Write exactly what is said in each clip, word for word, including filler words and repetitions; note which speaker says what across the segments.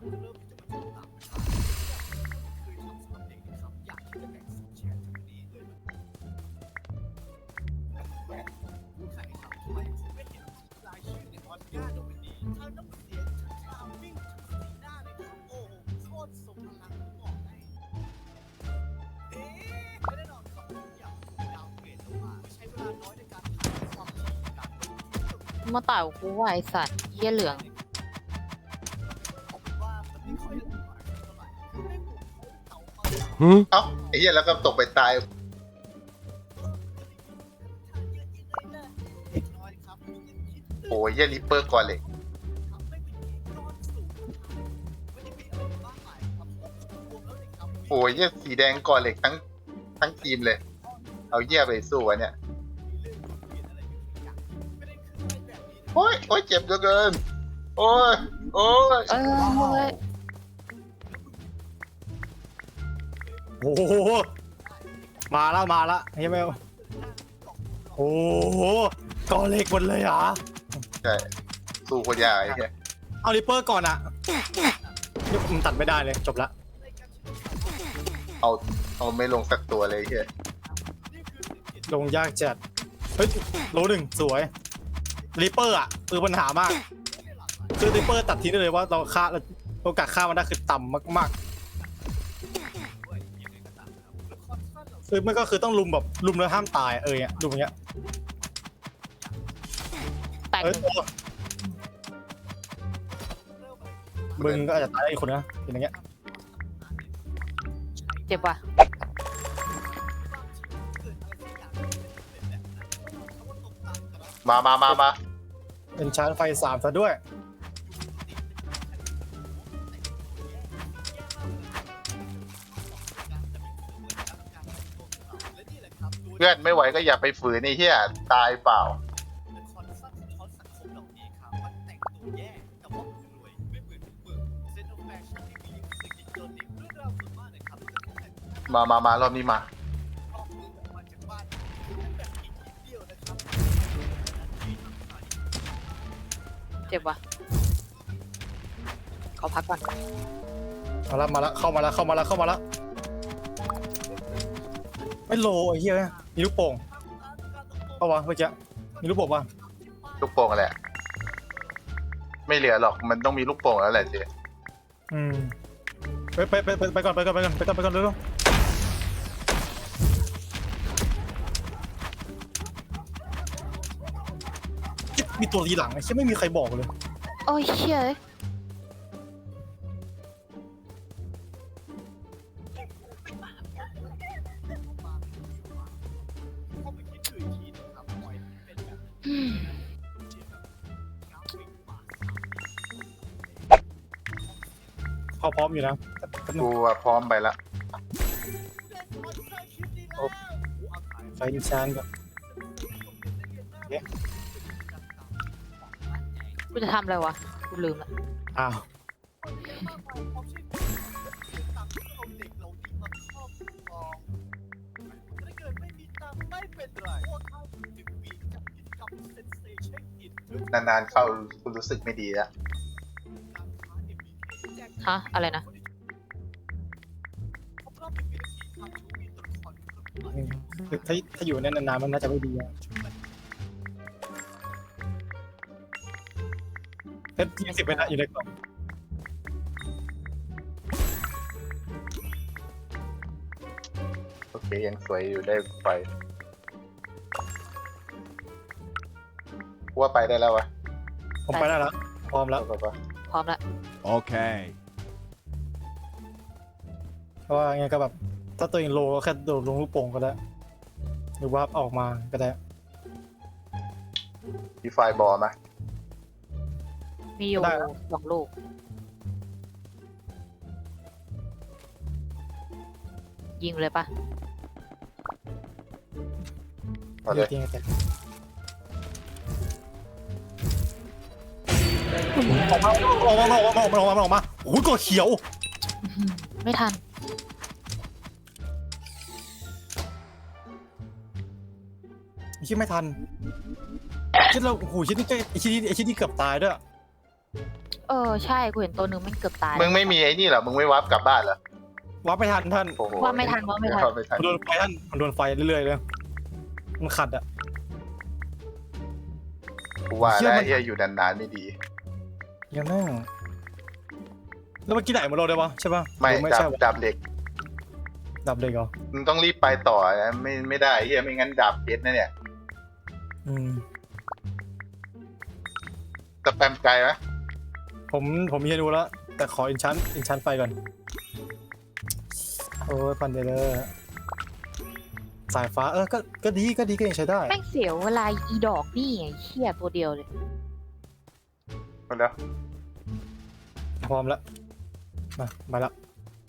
Speaker 1: มาต่อยกูว่าไอสัตว์เยี่ยเหลือง
Speaker 2: เอ้าไอ้เหี้ยแล้วก็ตกไปตายโอ้ยเหี้ยริปเปอร์ก่อนเลยโอ้ยเหี้ยสีแดงก่อนเหล็กทั้งทั้งทีมเลยเอาเหี้ยไปสู้วะเนี่ยโอ้ยโอ้ยเจ็บเหลือเกินโอ้ยโอ้ย
Speaker 1: เอ้ย
Speaker 3: โอ้โหมาแล้วมาแล้วเฮ้ยแมวโอ้โหกอเล็กหมดเลยเหรอ
Speaker 2: ใช่สู้คนยากไอ้เหี้ย
Speaker 3: เอาริปเปอร์ก่อนอ่ะนี่มันตัดไม่ได้เลยจบละ
Speaker 2: เอาเอาไม่ลงสักตัวเลยไอ้เหี้ย
Speaker 3: ลงยากจัดเฮ้ยโลหนึ่งสวยริปเปอร์อ่ะคือปัญหามากคือริปเปอร์ตัดทิ้งได้เลยว่าเราฆ่าโอกาสฆ่ามันได้คือต่ำมากๆคือมันก็คือต้องลุมแบบลุมแล้วห้ามตายเออเนี่ยลุมอย่างเงี้ย
Speaker 1: แตก
Speaker 3: เออมึงก็อาจจะตายได้อีกคนนะเป็นอย่างเงี้ย
Speaker 1: เจ็บว่ะ
Speaker 2: มามามามา
Speaker 3: เป็นชาร์จไฟสามซะด้วย
Speaker 2: เพื่อนไม่ไหวก็อย่าไปฝืนไอ้เหี้ยตายเปล่ามา มามารอบนี้มา
Speaker 1: เจ็บว่ะขอพักก่อน
Speaker 3: มาแล้วมาแล้วเข้ามาแล้วเข้ามาแล้วเข้ามาแล้วไม่โลไอ้เหี้ยมีลูกโป่งเอาวะเมื่อกี้มีลูกโป่งป่ะ
Speaker 2: ลูกโป่งแหละ ไม่เหลือหรอกมันต้องมีลูกโป่งแล้วแหละเจ๊
Speaker 3: อืมไปไปไปไปก่อนไปก่อนไปก่อนไปก่อนไปก่อนเร็วๆมีตัวทีหลังไอ้เหี้ยไม่มีใครบอกเลย
Speaker 1: โอ้ยเชี่ย
Speaker 3: เขาพร้อมอยู่นะ
Speaker 2: กูอะพร้อมไปละ
Speaker 3: ไฟดิชานก่อน
Speaker 1: กูจะทำอะไรวะกูลืมละ
Speaker 3: อ้าว
Speaker 2: นานๆเข้ากูรู้สึกไม่ดีแล้ว
Speaker 1: ฮะอะไรนะ
Speaker 3: ถ้าถ้าอยู่ในนานๆมันน่าจะไม่ดีอะเพชรยี่สิบเป็นอะอยู่ในกล่อง
Speaker 2: โอเคยังสวยอยู่ได้ไฟว่าไปได้แล้ววะ
Speaker 3: ผมไปได้แล้วพร้อมแล้ว
Speaker 2: ไปปะ
Speaker 1: พร้อมละ
Speaker 4: Okay.
Speaker 3: เพราะว่าไงก็แบบถ้าตัวเองโลก็แค่โดดลงลูกโป่งก็ได้หรือว่าออกมาก็ได้
Speaker 2: มีไฟบอลไหม
Speaker 1: มีอยู่
Speaker 3: ได้แล้ว
Speaker 1: สองลูกยิงเลยปะ
Speaker 2: เอาเลย
Speaker 3: จริงๆแต่ออกมาออกมาออกมาออกมาออกมาออกมาโอ้ยกดเขียว
Speaker 1: อื้อหือไม่ทัน
Speaker 3: คิดไม่ทันคิดเราโอ้โหคิดนี่ไอ้คิดนี่ไอ้คิดนี่เกือบตายด้วย
Speaker 1: เออใช่กูเห็นตัวหนึ่งมันเกือบตาย
Speaker 2: มึงไม่มีไอ้นี่เหรอมึงไม่วับกลับบ้านเหรอ
Speaker 3: วับไม่ทันท่าน
Speaker 2: โอ้โห
Speaker 1: ว่าไม่ทันว่าไม่ทัน
Speaker 2: ว่าไม่ทัน
Speaker 3: มันโดนไฟท่านมันโดนไฟเรื่อยๆเลยมันขัดอ่ะ
Speaker 2: กูว่า
Speaker 3: เชื่อ
Speaker 2: แล้ว
Speaker 3: มัน
Speaker 2: เฮียอยู่นานๆไม่ดี
Speaker 3: ยังแม่งแล้วเมื่อกี้ไหนมาโดนได้ปะใช่ปะ
Speaker 2: ไม่
Speaker 3: หรือไม่
Speaker 2: ดั
Speaker 3: ใช่
Speaker 2: บ
Speaker 3: วะ
Speaker 2: ดับเหล็ก
Speaker 3: ดับเด็กเหรอ
Speaker 2: มึงต้องรีบไปต่อนะไม่ไม่ได้เฮียไม่งั้นดับเพชรนะเนี่ย
Speaker 3: อืม
Speaker 2: สแปมไกลไหม
Speaker 3: ผมผมมีให้ดูแล้ว แต่ขออินชันอินชันไฟก่อน โอ้ยปันเดเลอร์สายฟ้าเออก็ก็ดีก็ดีก็ยังใช้ได้
Speaker 1: แม่งเสียวเวลาอีดอกนี่ไงเชี่ยตัวเดียวเลย
Speaker 2: หมดแล้ว
Speaker 3: พร้อมแล้วมามาแล้ว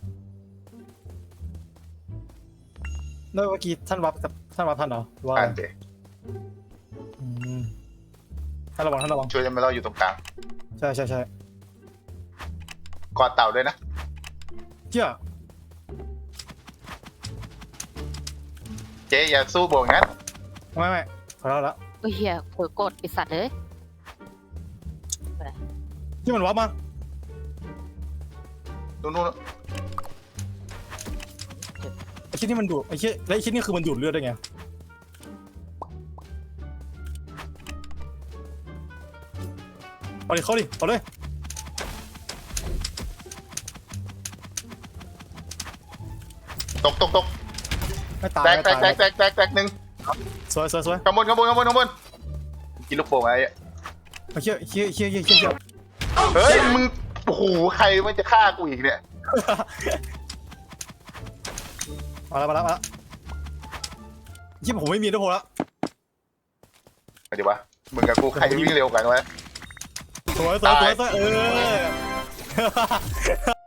Speaker 3: แล้วเมื่อกี้ท่านวับกับท่านวับท่านเหรอว่า
Speaker 2: อ่านเด
Speaker 3: อืมท่านระวังท่านระวัง
Speaker 2: ช่วยจะไม่เราอยู่ตรงกลาง
Speaker 3: ใช่ใช่ใช่
Speaker 2: กอดเต่าด้วยนะ
Speaker 3: เจ้า
Speaker 2: เจ๊อย่าสู้โบกงั้น
Speaker 3: ไม่ไม่ขอแล้วละ
Speaker 1: เอ้ยเฮียเผลอกดไอสัตว์เลย
Speaker 3: ที่มันวับมา
Speaker 2: นู่นนู่น
Speaker 3: ไอ้ชิ้นนี่มันดูดไอ้ชิ้นแล้วไอ้ชิ้นนี่คือมันดูดเลือดได้ไงเอาดิเข้าดิเอาเลย
Speaker 2: ตกตกตก
Speaker 3: ไม่ตาย
Speaker 2: แตก
Speaker 3: ไม่
Speaker 2: แต
Speaker 3: ตาก ย
Speaker 2: แตกแตกแตกแตกหนึ่ง
Speaker 3: สวยสวยสวย
Speaker 2: ข้างบนข้างบนข้างบนข้างบนกินลูกโป่งอะไรอ่ะ
Speaker 3: ไอ้เชี่ยเชี่ยเชี่ยเชี่ยเชี่ยเชี่ย
Speaker 2: เฮ้ยมึงโอ้โหใครมันจะฆ่ากูอีกเนี่ย
Speaker 3: มาแล้วมาแล้วมาแล้วยี่ผมไม่มีด้วยโพแล้ว
Speaker 2: มาดิวะมึงกับกูใครวิ่งเร็วกันวะ
Speaker 3: สวยสวยสวยสวยเออ